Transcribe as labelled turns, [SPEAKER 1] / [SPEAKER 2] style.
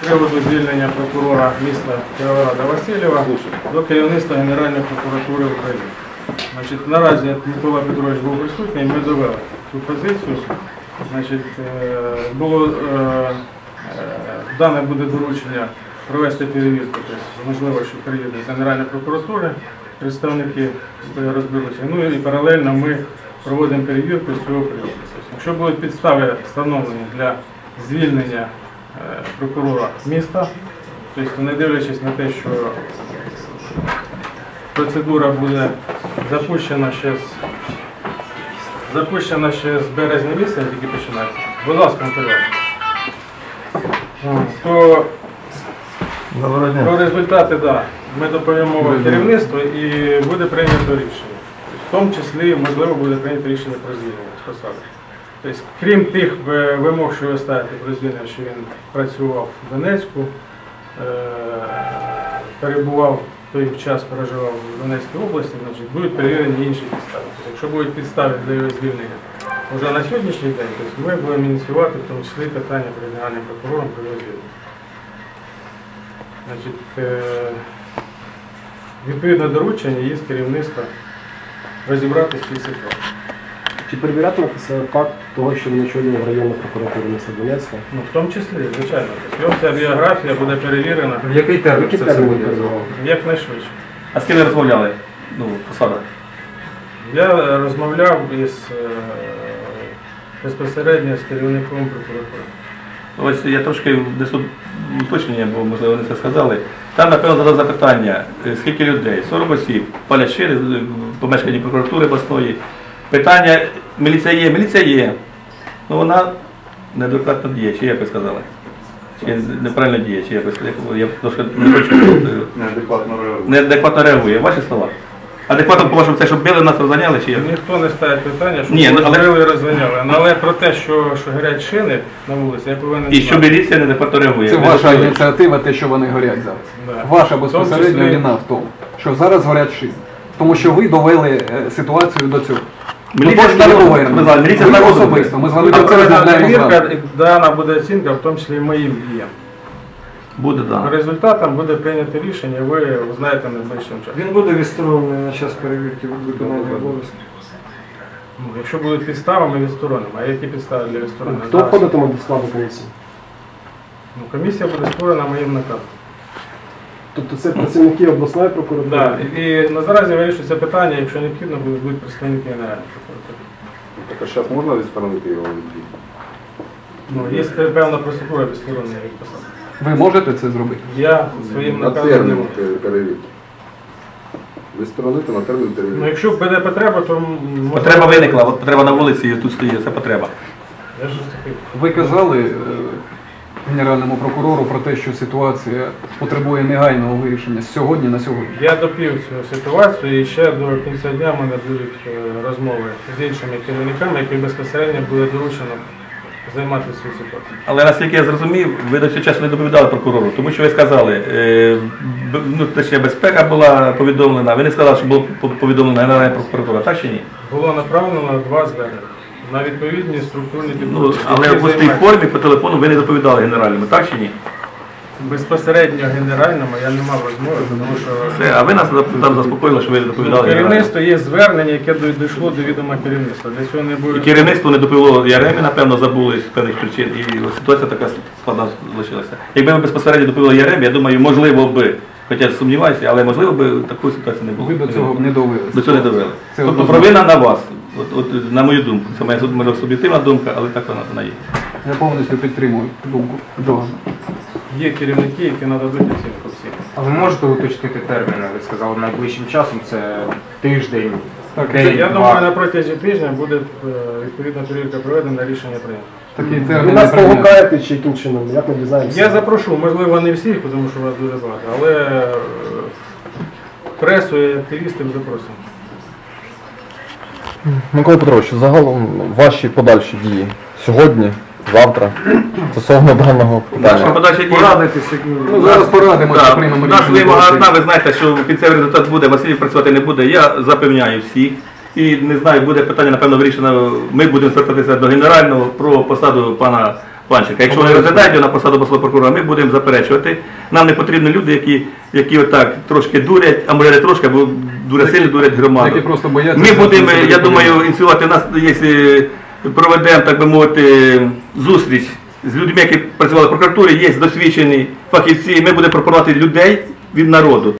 [SPEAKER 1] приводу звільнення прокурора міста Кіровограда Васильєва до керівництва Генеральної прокуратури України. Значить, наразі Микола Петрович був присутній, ми довели цю позицію. Значить, дане буде доручення провести перевірку, тобто, можливо, що приїде з Генеральної прокуратури, представники розберуться. Ну і паралельно ми проводимо перевірку з цього приводу. Якщо будуть підстави встановлені для звільнення прокурора міста, тобто не дивлячись на те, що процедура буде запущена ще з березня місяця, тільки починається. Будь ласка, матеріал. Про результати, да, ми доповімо керівництву і буде прийнято рішення. В тому числі, можливо, буде прийнято рішення про звільнення з посади. Тобто, крім тих вимог, що ви ставите про звільнення, що він працював в Донецьку, перебував, той час проживав в Донецькій області, значить, будуть перевірені інші підстави. Тобто, якщо будуть підстави для його звільнення вже на сьогоднішній день, тобто, ми будемо ініціювати в тому числі питання перед Генеральним прокурором про його звільнення. Значить, відповідне доручення є з керівництва розібратися в цій ситуації.
[SPEAKER 2] Чи перевірятиметься факт того, що він очолював районну прокуратуру міста Донецька?
[SPEAKER 1] Ну, в тому числі, звичайно. Його вся біографія буде перевірена.
[SPEAKER 3] В який термін це все буде?
[SPEAKER 1] Якнайшвидше.
[SPEAKER 3] А з ким ви розмовляли? Ну, посада?
[SPEAKER 1] Я розмовляв безпосередньо з керівником прокуратури.
[SPEAKER 3] Ось я трошки внесу уточнення, бо, можливо, вони це сказали. Там, напевно, задав запитання, скільки людей? 40 осіб, палять шири, помешканні прокуратури обласної. Питання, міліція є. Ну, вона неадекватно діє, чи як ви сказали? Чи неправильно діє, чи як ви сказали? Я трошки не хочу. Неадекватно реагує. Ваші слова? Адекватно, по-вашому, це, щоб били, нас розганяли, чи як?
[SPEAKER 1] Ніхто не ставить питання, щоб били і розганяли. Але про те, що горять шини на вулиці, я повинен знати.
[SPEAKER 3] І що міліція неадекватно реагує.
[SPEAKER 4] Це ваша ініціатива, те, що вони горять зараз.
[SPEAKER 1] Да.
[SPEAKER 4] Ваша безпосередня вина в тому, що зараз горять шини. Тому що ви довели ситуацію до цього.
[SPEAKER 3] Міліція з народу.
[SPEAKER 4] Особисто. Ми з вами про це розмовляємо зараз.
[SPEAKER 1] Дана буде оцінка, в тому числі і моїм діям.
[SPEAKER 3] Буде, так.
[SPEAKER 1] По результатам буде прийнято рішення, ви узнаєте найближчим часом.
[SPEAKER 5] Він буде відсторонений на час перевірки виконання обов'язків.
[SPEAKER 1] Ну, якщо будуть підстави, ми відсторонимо. А які підстави для відсторонення?
[SPEAKER 2] Хто входитиме до складу комісії?
[SPEAKER 1] Ну, комісія буде створена моїм наказом.
[SPEAKER 2] Тобто це працівники обласної прокуратури?
[SPEAKER 1] Так, і наразі вирішується питання, якщо необхідно, будуть представники Генеральної прокуратури.
[SPEAKER 6] Так а зараз можна відсторонити його від дій?
[SPEAKER 1] Ну, є певна процедура відсторонення від посади.
[SPEAKER 4] Ви можете це зробити?
[SPEAKER 1] Я своїм
[SPEAKER 6] На
[SPEAKER 1] наказом...
[SPEAKER 6] термін перевірки. Відсторонити на термін
[SPEAKER 1] Ну,
[SPEAKER 6] перевірки.
[SPEAKER 1] якщо буде потреба, то...
[SPEAKER 3] Потреба виникла, от потреба на вулиці, і тут стоїть, це потреба.
[SPEAKER 1] Я ж такий.
[SPEAKER 4] Ви казали Генеральному прокурору про те, що ситуація потребує негайного вирішення з сьогодні на сьогодні.
[SPEAKER 1] Я допів цю ситуацію і ще до кінця дня в мене будуть розмови з іншими керівниками, які безпосередньо буде доручено займатися цією ситуацією.
[SPEAKER 3] Але наскільки я зрозумів, ви до цього часу не доповідали прокурору, тому що ви сказали, точніше безпека була повідомлена, ви не сказали, що було повідомлена Генеральна прокуратура, так чи ні?
[SPEAKER 1] Було направлено 2 звернення на відповідні структурні
[SPEAKER 3] Ну,
[SPEAKER 1] підрозділи.
[SPEAKER 3] але в пустій формі по телефону ви не доповідали Генеральному, так чи ні?
[SPEAKER 1] Безпосередньо генеральному я не мав розмови, тому що
[SPEAKER 3] Це, а ви нас там заспокоїли, що ви не доповідали Генеральному.
[SPEAKER 1] керівництво є звернення, яке дійшло до відома керівництва. Для цього не
[SPEAKER 3] І
[SPEAKER 1] буде...
[SPEAKER 3] керівництво не доповіло Яремі, напевно, забули з певних причин, і ситуація така складна залишилася. Якби ми безпосередньо доповіли Яремі, я думаю, можливо би, хоча я сумніваюся, але можливо би такої ситуації не було.
[SPEAKER 4] Ви до цього не довели.
[SPEAKER 3] До цього не довели.
[SPEAKER 4] Це
[SPEAKER 3] Тобто провина на вас, от, на мою думку. Це моя може, суб'єктивна думка, але так вона є.
[SPEAKER 4] Я повністю підтримую думку Джона.
[SPEAKER 1] Є керівники, які нададуть оцінку всіх.
[SPEAKER 5] А ви можете уточнити терміни? Ви сказали, найближчим часом це тиждень,
[SPEAKER 4] Так,
[SPEAKER 5] день,
[SPEAKER 1] Я
[SPEAKER 5] два.
[SPEAKER 1] думаю, на протязі тижня буде відповідна перевірка проведена, рішення прийнято.
[SPEAKER 4] такий
[SPEAKER 2] Ви
[SPEAKER 4] термін
[SPEAKER 2] нас
[SPEAKER 4] не прийняли.
[SPEAKER 2] погукаєте чи яким чином? Як ми дізнаємося?
[SPEAKER 1] Я запрошу, можливо, не всіх, тому що вас дуже багато, але пресу і активістів запросимо.
[SPEAKER 7] Микола Петрович, загалом ваші подальші дії сьогодні, завтра, стосовно даного
[SPEAKER 3] Наша
[SPEAKER 7] питання.
[SPEAKER 3] подача дій.
[SPEAKER 5] Порадитися.
[SPEAKER 4] Ну, зараз порадимося,
[SPEAKER 3] Так,
[SPEAKER 4] приймемо
[SPEAKER 3] у нас
[SPEAKER 4] рішення.
[SPEAKER 3] вимога одна, ви знаєте, що кінцевий результат буде, Василів працювати не буде. Я запевняю всіх. І не знаю, буде питання, напевно, вирішено. Ми будемо звертатися до генерального про посаду пана Панченка. Якщо вони розглядають його на посаду обласного прокурора, ми будемо заперечувати. Нам не потрібні люди, які отак трошки дурять, а може не трошки, або дуже сильно дурять громаду.
[SPEAKER 4] Які просто бояться.
[SPEAKER 3] Ми будемо, я думаю, ініціювати нас, якщо проведемо, так би мовити, зустріч з людьми, які працювали в прокуратурі, є досвідчені фахівці, ми будемо пропонувати людей від народу.